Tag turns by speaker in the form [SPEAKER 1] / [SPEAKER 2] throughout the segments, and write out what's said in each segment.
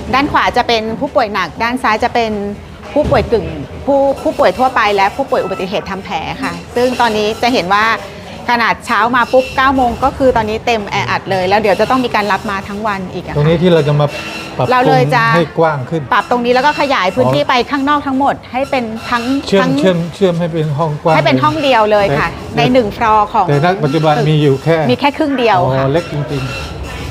[SPEAKER 1] ด้านขวาจะเป็นผู้ป่วยหนักด้านซ้ายจะเป็นผู้ป่วยกึ่งผู้ป่วยทั่วไปและผู้ป่วยอุบัติเหตุทำแผลค่ะซึ่งตอนนี้จะเห็นว่าขนาดเช้ามาปุ๊บ9 โมงก็คือตอนนี้เต็มแออัดเลยแล้วเดี๋ยวจะต้องมีการรับมาทั้งวันอีก
[SPEAKER 2] ตรงนี้ที่เราจะมาปรับปรุงให้กว้างขึ้น
[SPEAKER 1] ปรับตรงนี้แล้วก็ขยายพื้นที่ไปข้างนอกทั้งหมดให้เป็นทั้ง
[SPEAKER 2] เชื่อมให้เป็นห้องกว้าง
[SPEAKER 1] ให้เป็นห้องเดียวเลยค่ะใน1ฟลอร์ของ
[SPEAKER 2] แต่ณปัจจุบันมีอยู่แค่
[SPEAKER 1] ครึ่งเดียวค่ะ
[SPEAKER 2] เล็กจริงๆ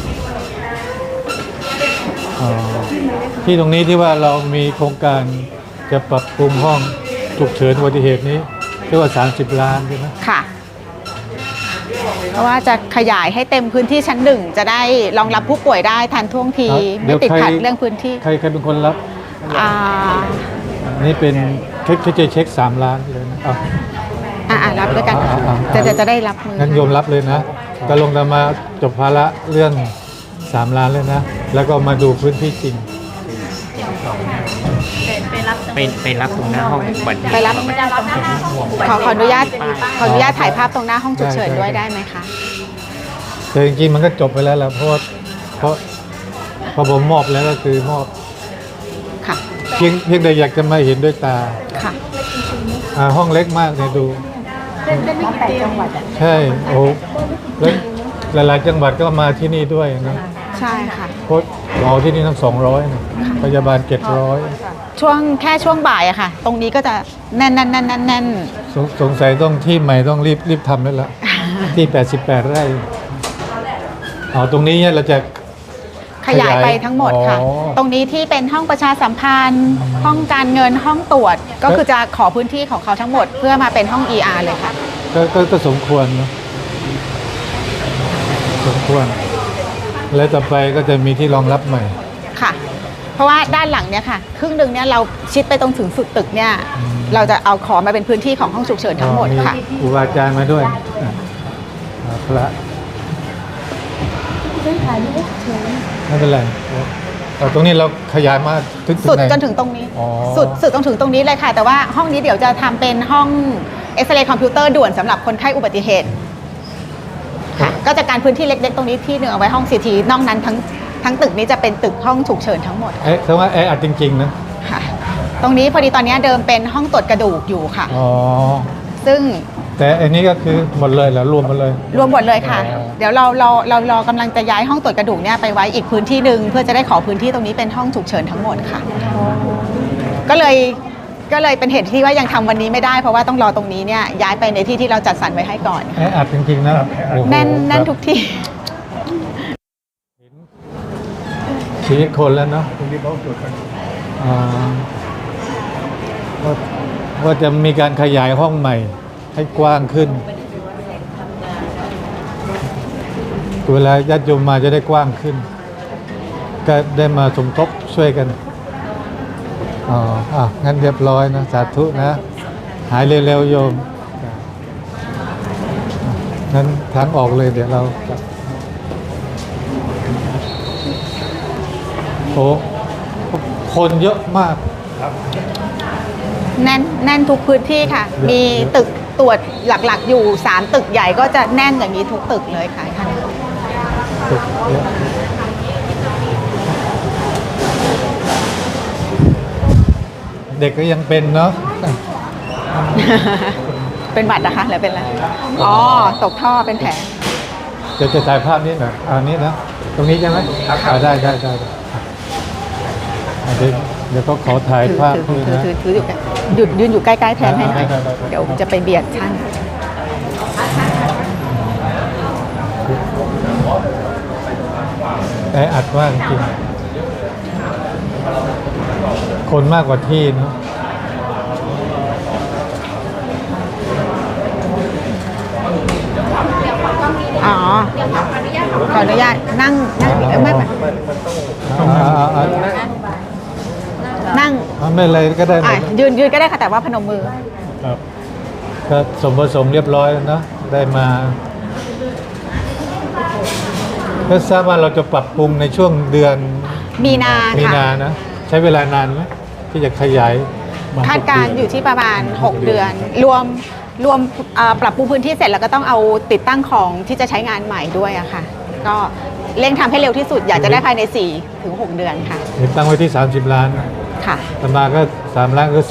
[SPEAKER 2] ที่ตรงนี้ที่ว่าเรามีโครงการจะปรับปรุงห้องฉุกเฉินอุบัติเหตุนี้เรียกว่า30 ล้านใช่ไหม
[SPEAKER 1] ค่ะเพราะว่าจะขยายให้เต็มพื้นที่ชั้น1จะได้รองรับผู้ป่วยได้ทันท่วงทีไม่ติดขัดเรื่องพื้นที่
[SPEAKER 2] ใครเป็นคนรับนี่เป็นจะเช็ค3 ล้านเลยนะ
[SPEAKER 1] รับด้วยกันจะได้รับมือ
[SPEAKER 2] งั้นโยมรับเลยนะก็ลงมาจบภาระเรื่อง3 ล้านเลยนะแล้วก็มาดูพื้นที่จริง
[SPEAKER 3] ไปรับตรงหน้าห้องบัตร
[SPEAKER 1] ไปรับขออนุญาตถ่ายภาพตรงหน้าห้องฉุกเฉินด้วยได้ไหมคะ
[SPEAKER 2] แต่จริงๆมันก็จบไปแล้วแหละเพราะพอผมมอบแล้วก็คือมอบ
[SPEAKER 1] ค่ะ
[SPEAKER 2] เพียงแต่อยากจะมาเห็นด้วยตา
[SPEAKER 1] ค่ะ
[SPEAKER 2] ห้องเล็กมากเนี่ยดู
[SPEAKER 1] เป็นไม่กี่จังหวัด
[SPEAKER 2] ใช่โอ้แล้วหลายๆจังหวัดก็มาที่นี่ด้วยนะ
[SPEAKER 1] ใช่ค่ะ
[SPEAKER 2] เพราะหมอที่นี่ทั้ง200นะพยาบาล700
[SPEAKER 1] แค่ช่วงบ่ายอะค่ะตรงนี้ก็จะแน่น
[SPEAKER 2] สงสัยต้องที่ใหม่ต้องรีบทำแล้วล่ะที่88 ไร่ตรงนี้เนี่ยเราจะ
[SPEAKER 1] ขยายไปทั้งหมดค่ะตรงนี้ที่เป็นห้องประชาสัมพันธ์ห้องการเงินห้องตรวจก็คือจะขอพื้นที่ของเขาทั้งหมดเพื่อมาเป็นห้อง ER เลยค่ะ
[SPEAKER 2] ก็สมควรนะสมควรแล้วต่อไปก็จะมีที่รองรับใหม่
[SPEAKER 1] ค่ะเพราะว่าด้านหลังเนี่ยค่ะครึ่งหนึ่งเนี่ยเราชิดไปตรงถึงสุดตึกเนี่ยเราจะเอาขอมาเป็นพื้นที่ของห้องฉุกเฉินทั้งหมดค่ะ
[SPEAKER 2] ครูบาอาจารย์มาด้วยพระไม่เป็นไรตรงนี้เราขยายมา
[SPEAKER 1] สุดจนถึงตรงนี้สุดจนถึงตรงนี้เลยค่ะแต่ว่าห้องนี้เดี๋ยวจะทำเป็นห้องเอ็กซเรย์คอมพิวเตอร์ด่วนสำหรับคนไข้อุบัติเหตุค่ะก็จะการพื้นที่เล็กๆตรงนี้ที่หนึ่งเอาไว้ห้อง CT นอกนั้นทั้งตึกนี้จะเป็นตึกห้องฉุกเฉินทั้งหมด
[SPEAKER 2] แต่ว่าอัดจริงๆนะ
[SPEAKER 1] ค่ะตรงนี้พอดีตอนนี้เดิมเป็นห้องตรวจกระดูกอยู่ค่ะซึ่ง
[SPEAKER 2] แต่อันนี้ก็คือหมดเลยแล้วรวมหมดเลย
[SPEAKER 1] ค่ะเดี๋ยวเรากำลังจะย้ายห้องตรวจกระดูกเนี่ยไปไว้อีกพื้นที่หนึ่งเพื่อจะได้ขอพื้นที่ตรงนี้เป็นห้องฉุกเฉินทั้งหมดค่ะก็เลยเป็นเหตุที่ว่ายังทำวันนี้ไม่ได้เพราะว่าต้องรอตรงนี้เนี่ยย้ายไปในที่ที่เราจัดสรรไว้ให้ก่อน
[SPEAKER 2] อัดจริงๆนะ
[SPEAKER 1] แน่นทุกที่
[SPEAKER 2] ชีวิตคนแล้วเนาะว่าจะมีการขยายห้องใหม่ให้กว้างขึ้นเวลาญาติโยมมาจะได้กว้างขึ้นก็ได้มาสมทบช่วยกันงั้นเรียบร้อยนะสาธุนะหายเร็วๆโยมงั้นทางออกเลยเดี๋ยวเราคนเยอะมาก
[SPEAKER 1] แน่นทุกพื้นที่ค่ะมีตึกตรวจหลักๆอยู่3ตึกใหญ่ก็จะแน่นอย่างนี้ทุกตึกเลยค่ะท่าน
[SPEAKER 2] เด็กก็ยังเป็นเนาะ
[SPEAKER 1] เป็นบัตรนะคะหรือเป็นอะไรตกท่อเป็นแผล
[SPEAKER 2] จะถ่ายภาพนี้หน่อยนี้นะตรงนี้ใช่ไหมได้เดี๋ยวก็ขอถ่ายภาพ
[SPEAKER 1] ถือยืนอยู่ใกล้ๆแทนให้หน่อยเดี๋ยวจะไปเบียดท่าน
[SPEAKER 2] อัดว่างจริงคนมากกว่าที่เนาะ
[SPEAKER 1] ขออนุญาตนั่งไม่นั่ง
[SPEAKER 2] ไม่อะไรก็ได้
[SPEAKER 1] ยืนก็ได้ค่ะแต่ว่าพนมมือ
[SPEAKER 2] ครับก็สมเรียบร้อยแล้วนะได้มาก็ทราบว่าเราจะปรับปรุงในช่วงเดือน
[SPEAKER 1] มีนา
[SPEAKER 2] นะใช้เวลานานไหมที่จะขยาย
[SPEAKER 1] คาดการอยู่ที่ประมาณ6 เดือนรวมปรับปรุงพื้นที่เสร็จแล้วก็ต้องเอาติดตั้งของที่จะใช้งานใหม่ด้วยอะค่ะก็เร่งทำให้เร็วที่สุด อยากจะได้ภายใน 4 ถึง 6 เดือนค่ะ
[SPEAKER 2] เห็นตั้งไว้ที่ 30 ล้าน
[SPEAKER 1] ค่ะ
[SPEAKER 2] ตมาก็3ล้านก็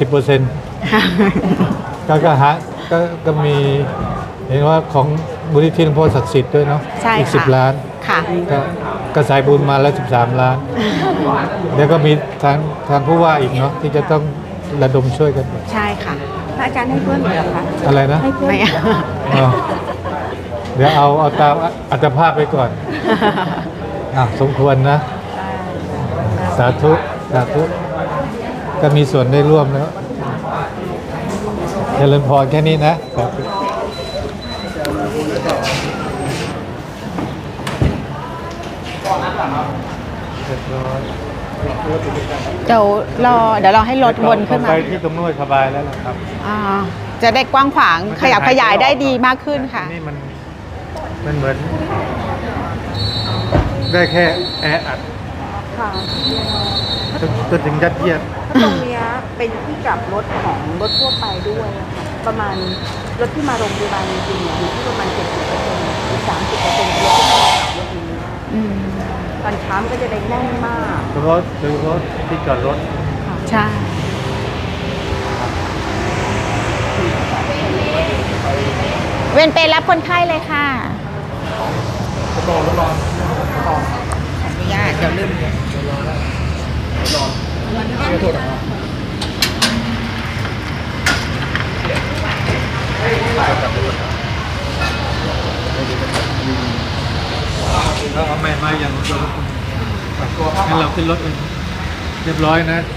[SPEAKER 2] 10%ก็หาก็มีเห็นว่าของมูลนิธิหลวงพ่อศักดิ์สิทธิ์ด้วยเนาะ
[SPEAKER 1] ใช่
[SPEAKER 2] อีก
[SPEAKER 1] ค่ะ
[SPEAKER 2] 10 ล้าน
[SPEAKER 1] ค่ะ
[SPEAKER 2] ก็สายบุญมาแล้ว 13 ล้าน แล้วก็มีทางผู้ว่าอีกเนาะที่จะต้องระดมช่วยกัน
[SPEAKER 1] ใช่ค่ะ
[SPEAKER 4] พระอาจารย์ให้เพื่อนเหรอคะ
[SPEAKER 2] อะไรนะ
[SPEAKER 4] ให้เพื่อน
[SPEAKER 1] ไม่
[SPEAKER 2] อ้าวเดี๋ยวเอาตามอัตภาพไปก่อนสมควรนะ สาธุสาธุก็มีส่วนได้ร่วมแล้วเจริญพรแค่นี้นะสาธุ
[SPEAKER 1] เดี๋ยวรอให้รถวนขึ้นมา
[SPEAKER 2] ไปที่ตรงนู้นสบายแล้วล่ะครับ
[SPEAKER 1] อ่าจะได้กว้างขวางขยับขยายได้ดีมากขึ้นค่ะ
[SPEAKER 2] นี่มันเหมือน ได้แค่แออัด
[SPEAKER 4] ค่ะ
[SPEAKER 2] จนถึงยัดเยียด
[SPEAKER 4] ตรงเนี้ยเป็นที่กลับรถของรถทั่วไปด้วยอะค่ะประมาณรถที่มาโรงพยาบาลจริงๆเนี่ยอยู่ที่ประมาณ 70%หรือ 30%รถที่มาขับรถนี้
[SPEAKER 1] อืม
[SPEAKER 4] ตอนเช้ามันก็จะได้แน่นมาก
[SPEAKER 2] โดยเฉพาะที่จอดรถ
[SPEAKER 1] ใช่ เวนเปรย์รับคนไข้เลยค่ะขออนุญาตเดี๋ยวลืม
[SPEAKER 2] แล้วเอาแม่มาอย่างเรางั้นเราขึ้นรถเลยเรียบร้อยนะ